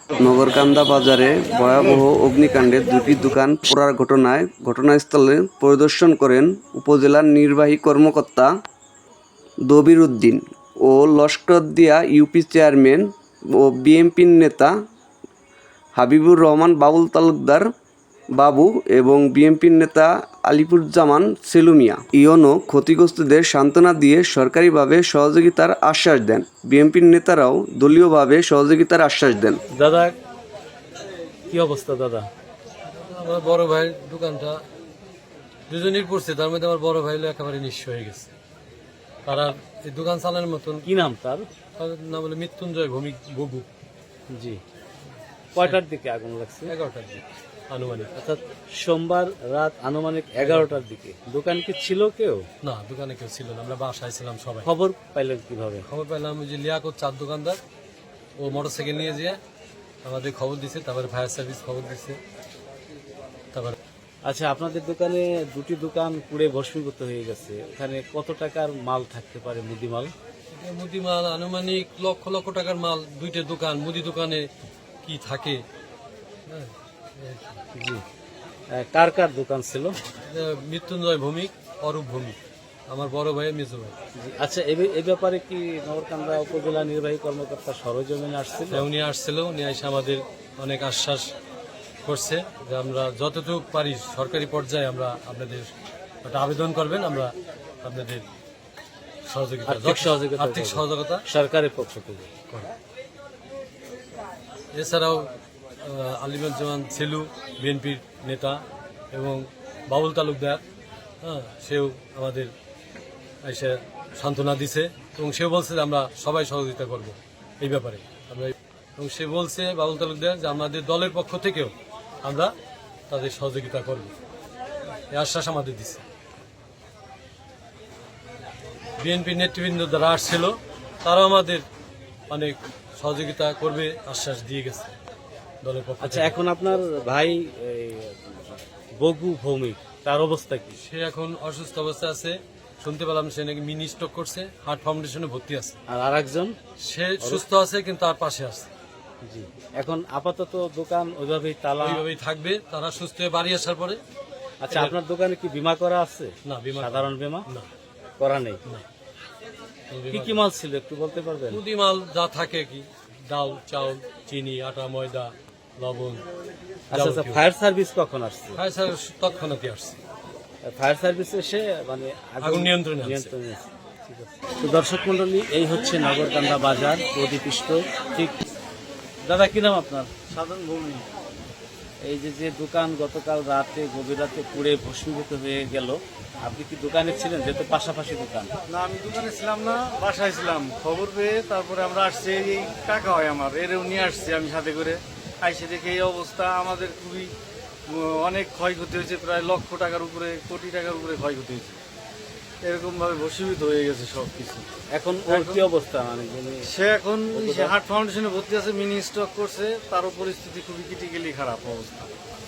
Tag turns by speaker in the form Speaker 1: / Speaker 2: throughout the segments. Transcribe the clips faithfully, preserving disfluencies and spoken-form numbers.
Speaker 1: নগরকান্দা বাজারে ভয়াবহ অগ্নিকাণ্ডে দুটি দোকান পোড়ার ঘটনায় ঘটনাস্থলে পরিদর্শন করেন উপজেলার নির্বাহী কর্মকর্তা দবির উদ্দিন ও লস্করদিয়া ইউপি চেয়ারম্যান ও বিএনপির নেতা হাবিবুর রহমান বাবুল তালুকদার বাবু এবং বিএনপির নেতা আলিপুরজামান সেলু মিয়া। ইউনো ক্ষতিগ্রস্তদের সান্ত্বনা দিয়ে সরকারিভাবে সহযোগিতার আশ্বাস দেন। বিএনপির নেতারাও দলীয়ভাবে সহযোগিতার আশ্বাস দেন।
Speaker 2: দাদা কি অবস্থা? দাদা
Speaker 3: আমার বড় ভাই দোকানটা দুজনের পড়ছে, তার মধ্যে আমার বড় ভাই হলো একেবারে নিঃস্ব হয়ে গেছে। তারা এই দোকান চালানোর মতন
Speaker 2: কি নাম তার?
Speaker 3: তার নাম হলো মৃত্যুঞ্জয় ভৌমিক ববু।
Speaker 2: জি, কয়টার দিকে আগুন লাগছে?
Speaker 3: এগারোটার দিকে আনুমানিক,
Speaker 2: অর্থাৎ সোমবার রাত আনুমানিক এগারোটার দিকে। দোকান কি ছিল কেউ?
Speaker 3: না, দোকানে কেউ ছিল না, আমরা বাসায় ছিলাম সবাই।
Speaker 2: খবর পাইলেন কিভাবে?
Speaker 3: খবর পেলাম যে লিয়াকত চার দোকানদার ও মোটরসাইকেল নিয়ে যেয়ে আমাদের খবর দিছে, তারপরে ফায়ার সার্ভিস খবর দিচ্ছে। তারপরে
Speaker 2: আচ্ছা, আপনাদের দোকানে দুটি দোকান পুড়ে ভস্মীভূত হয়ে গেছে, ওখানে কত টাকার মাল থাকতে পারে? মুদি মাল?
Speaker 3: মুদি মাল আনুমানিক লক্ষ লক্ষ টাকার মাল। দুইটা দোকান, মুদি দোকানে কি থাকে। হ্যাঁ,
Speaker 2: জি, কার কার দোকান ছিল?
Speaker 3: মৃত্যুঞ্জয় ভৌমিক, অরূপ ভৌমিক, আমার বড় ভাই মেজো ভাই।
Speaker 2: আচ্ছা, এই ব্যাপারে কি নগরকান্দা উপজেলা নির্বাহী কর্মকর্তা সরজমিনে আসছিল?
Speaker 3: উনি আসছিল, উনি এসে আমাদের অনেক আশ্বাস করছে যে আমরা যতটুকু পারি সরকারি পর্যায়ে আমরা আপনাদের একটা আবেদন করবেন, আমরা আপনাদের সহযোগিতা
Speaker 2: সহযোগিতা
Speaker 3: আর্থিক সহযোগিতা
Speaker 2: সরকারের পক্ষ থেকে
Speaker 3: করব। এছাড়াও আলিমুজ্জামান সেলু বিএনপির নেতা এবং বাবুল তালুকদার, হ্যাঁ, সেও আমাদের এসে সান্ত্বনা দিছে এবং সেও বলছে যে আমরা সবাই সহযোগিতা করব এই ব্যাপারে। আমরা এবং সে বলছে বাবুল তালুকদার যে আমাদের দলের পক্ষ থেকেও আমরা তাদের সহযোগিতা করব, এই আশ্বাস আমাদের দিচ্ছে। বিএনপির নেতৃবৃন্দ যারা আসছিল তারাও আমাদের অনেক সহযোগিতা করবে আশ্বাস দিয়ে গেছে দলের পক্ষ।
Speaker 2: আচ্ছা, এখন আপনার ভাই বগু ভৌমিক, তার অবস্থা কি?
Speaker 3: সে এখন অসুস্থ অবস্থায় আছে, শুনতে পেলাম সে নাকি মিনি স্ট্রোক করছে, হার্ট ফাউন্ডেশনে ভর্তি আছে।
Speaker 2: আর আরেকজন?
Speaker 3: সে সুস্থ আছে কিন্তু তার পাশে আছে।
Speaker 2: জি, এখন আপাতত দোকান ওইভাবেই তালা,
Speaker 3: ওইভাবেই থাকবে, তারা সুস্থ হয়ে বাড়ি আসার পরে।
Speaker 2: আচ্ছা, আপনার দোকানে কি বীমা করা আছে?
Speaker 3: না, বীমা
Speaker 2: সাধারণ বীমা
Speaker 3: না
Speaker 2: করা নেই।
Speaker 3: না।
Speaker 2: কি কি মাল ছিল একটু বলতে পারবেন?
Speaker 3: মুদি মাল যা থাকে, কি ডাল, চাউল, চিনি, আটা, ময়দা, লবণ।
Speaker 2: আচ্ছা আচ্ছা, ফায়ার সার্ভিস কখন আসছে?
Speaker 3: ফায়ার সার্ভিস তৎক্ষণাৎই আসছে,
Speaker 2: ফায়ার সার্ভিস এসে মানে
Speaker 3: আগুন নিয়ন্ত্রণে আনছে।
Speaker 2: নিয়ন্ত্রণে আছে। ঠিক আছে। তো দর্শক মন্ডলী, এই হচ্ছে নগরকান্দা বাজার প্রদীপিষ্ট। ঠিক, দাদা কি নাম আপনার?
Speaker 4: সাধারণ ভূমি।
Speaker 2: এই যে যে দোকান গতকাল রাতে গভীর রাতে পুড়ে ভস্মীভূত হয়ে গেল, আপনি কি দোকানে ছিলেন? যেহেতু পাশাপাশি দোকান।
Speaker 4: না, আমি দোকানে ছিলাম না, বাসায় ছিলাম। খবর পেয়ে তারপরে আমরা আসছি, এই টাকা হয় আমার, এরও নিয়ে আসছি আমি সাথে করে। আইসে দেখে এই অবস্থা, আমাদের খুবই অনেক ক্ষয়ক্ষতি হয়েছে, প্রায় লক্ষ টাকার উপরে, কোটি টাকার উপরে ক্ষয়ক্ষতি হয়েছে। এরকম ভাবে ভস্মীভূত হয়ে গেছে সব কিছু।
Speaker 2: এখন ওর কি অবস্থা? মানে
Speaker 4: সে এখন হার্ট ফাউন্ডেশনে ভর্তি আছে, মিনি স্ট্রোক করছে, তারও পরিস্থিতি খুবই ক্রিটিক্যালি খারাপ অবস্থা।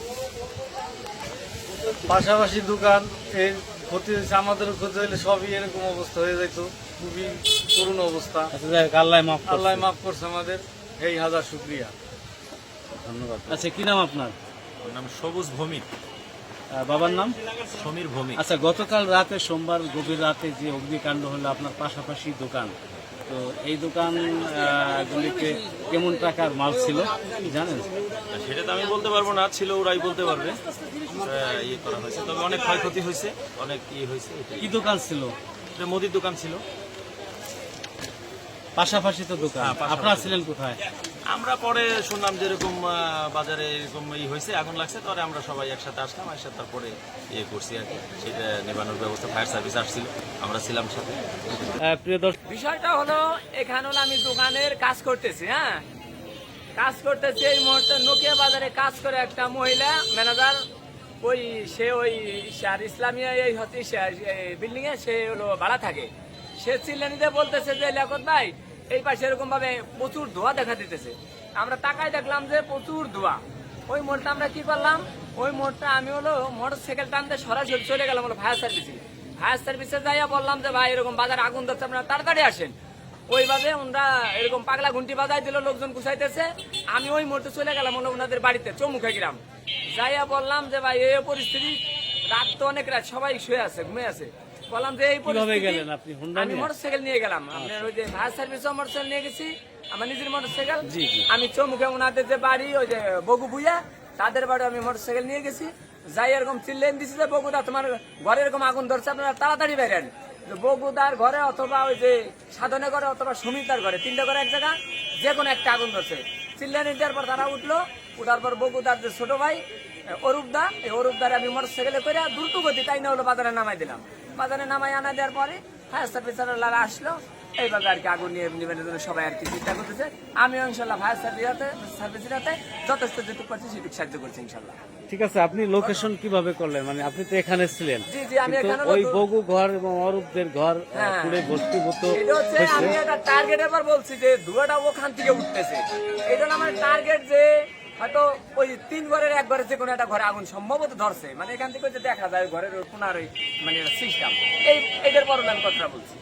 Speaker 4: পাশাপাশি দোকান এই ক্ষতি হয়েছে, আমাদেরও ক্ষতি হলে সবই এরকম অবস্থা হয়ে যেত, খুবই করুণ অবস্থা।
Speaker 2: আল্লাহ মাফ করুন।
Speaker 4: আল্লাহ মাফ করছে আমাদের, এই হাজার শুক্রিয়া,
Speaker 2: ধন্যবাদ। আচ্ছা, কি নাম আপনার?
Speaker 5: নাম সবুজ ভৌমিক।
Speaker 2: আহ, বাবার নাম?
Speaker 5: সমীর ভৌমিক।
Speaker 2: আচ্ছা, গতকাল রাতে সোমবার গভীর রাতে যে অগ্নিকাণ্ড হলো আপনার পাশাপাশি দোকান, তো এই দোকান গুলিতে কেমন টাকার মাল ছিল জানেন?
Speaker 5: সেটা তো আমি বলতে পারবো না, ছিল ওরাই বলতে পারবে। আহ, ইয়ে করা হয়েছে, তবে অনেক ক্ষয়ক্ষতি হয়েছে, অনেক ইয়ে হয়েছে।
Speaker 2: কি দোকান ছিল?
Speaker 5: এটা মুদির দোকান ছিল।
Speaker 2: পাশাপাশি তো দোকান,
Speaker 5: হ্যাঁ, পাশাপাশি।
Speaker 2: আপনারা ছিলেন কোথায়?
Speaker 5: আমরা পরে শুনলাম যে এরকম আহ, বাজারে এরকম ই হয়েছে, আগুন লাগছে, তারপরে আমরা সবাই একসাথে আসলাম, একসাথে তারপরে ইয়ে করছি আর কি, সেটা নেবানোর ব্যবস্থা। ফায়ার সার্ভিস আসছিল, আমরা ছিলাম সাথে।
Speaker 2: আহ, প্রিয় দর্শক,
Speaker 6: বিষয়টা হলো এখানে হলো আমি দোকানের কাজ করতেছি, হ্যাঁ কাজ করতেছি এই মুহূর্তে নোকিয়া বাজারে কাজ করে একটা মহিলা ম্যানেজার, ওই সে ওই আর ইসলামিয়া এই হচ্ছে বিল্ডিং এ সে হলো ভাড়া থাকে। সে চিল্লানিতে বলতেছে যে লিয়াকত ভাই এই পাশে এরকম ভাবে প্রচুর ধোঁয়া দেখা দিতেছে। আমরা তাকায় দেখলাম যে প্রচুর ধোঁয়া। ওই মোড়টা আমরা কি করলাম, ওই মোড়টা আমি হলো মোটর সাইকেল টানতে সরাসরি চলে গেলাম হলো ফায়ার সার্ভিসে। ফায়ার সার্ভিসে যাইয়া বললাম যে ভাই এরকম বাজারে আগুন ধরছে, আপনারা তাড়াতাড়ি আসেন। ওইভাবে ওনারা এরকম পাগলা ঘুন্টি বাজাই দিল, লোকজন গুছাইতেছে। আমি ওই মুহূর্তে চলে গেলাম হলো ওনাদের বাড়িতে, চৌমুখা গ্রাম। যাইয়া বললাম যে ভাই এই পরিস্থিতি, রাত তো অনেক রাত, সবাই শুয়ে আছে, ঘুমিয়ে আছে। বললাম যে এই
Speaker 2: কিভাবে
Speaker 6: পরিস্থিতি,
Speaker 2: গেলেন আপনি হুন্ডা
Speaker 6: আমি
Speaker 2: নিয়ে?
Speaker 6: মোটরসাইকেল নিয়ে গেলাম। আপনার ওই যে ফায়ার সার্ভিসও মোটরসাইকেল নিয়ে গেছি, আমার নিজের মোটরসাইকেল।
Speaker 2: জি, জি।
Speaker 6: আমি চৌমুখে ওনাদের যে বাড়ি, ওই যে বগু বুইয়া, তাদের বাড়ি আমি মোটরসাইকেল নিয়ে গেছি। যাই এরকম চিল্লেন দিছি যে বগুদা তোমার ঘরে এরকম আগুন ধরছে, আপনারা তাড়াতাড়ি বেরেন। বগুদার ঘরে অথবা ওই যে সাধনে ঘরে অথবা সুমিতার ঘরে, তিনটা ঘরে এক জায়গা, যে কোনো একটা আগুন ধরছে। চিল্লেন দেওয়ার পর তারা উঠলো, উঠার পর বগুদার যে ছোট ভাই অরূপদা, এই অরূপদার আমি মোটরসাইকেলে করে দ্রুত গতি তাই না হলো বাজারে নামাই দিলাম। বাজারে নামাই আনা দেওয়ার পরে ফায়ার সার্ভিসাররা আসলো, এইভাবে আর কি আগুন নিয়ে নিবেনের জন্য সবাই আর কি চেষ্টা করতেছে। আমি ইনশাল্লাহ ফায়ার সার্ভিস সার্ভিসের হাতে যথেষ্ট যেটুকু পারছি সেটুকু সাহায্য করছি ইনশাল্লাহ।
Speaker 2: ঠিক আছে, আপনি লোকেশন কিভাবে করলেন? মানে আপনি তো এখানে ছিলেন,
Speaker 6: জি জি আমি
Speaker 2: কিন্তু
Speaker 6: এখানে
Speaker 2: ওই বগু ঘর এবং অরূপদের ঘর আহ,
Speaker 6: হ্যাঁ।
Speaker 2: পুড়ে ভস্মীভূত
Speaker 6: এটা হচ্ছে
Speaker 2: হয়েছে।
Speaker 6: আমি একটা টার্গেট এবার বলছি যে ধোঁয়াটা ওখান থেকে উঠতেছে। এটা হলো আমার টার্গেট যে হয়তো ওই তিন ঘরের এক ঘরে যে কোনো একটা ঘরে আগুন সম্ভবত ধরছে, মানে এখান থেকে যে দেখা যায় ঘরের ওই কোনার ওই মানে সিস্টেম, এই এটার পর আমি কথা বলছি।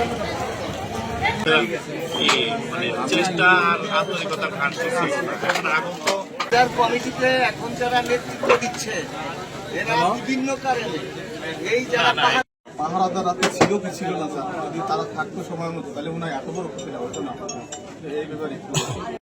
Speaker 7: মানে চেষ্টা আর আন্তরিকতার ঘাট ছিল না। এখন আগুন তো
Speaker 8: কমিটিতে এখন যারা নেতৃত্ব দিচ্ছে এরা বিভিন্ন কারণে এই যারা
Speaker 9: পাহারাদার রাতে ছিল কি ছিল না স্যার, যদি তারা থাকতো সময় মতো তাহলে মনে হয় এত বড় ক্ষতি না হতো না। এই ব্যাপারে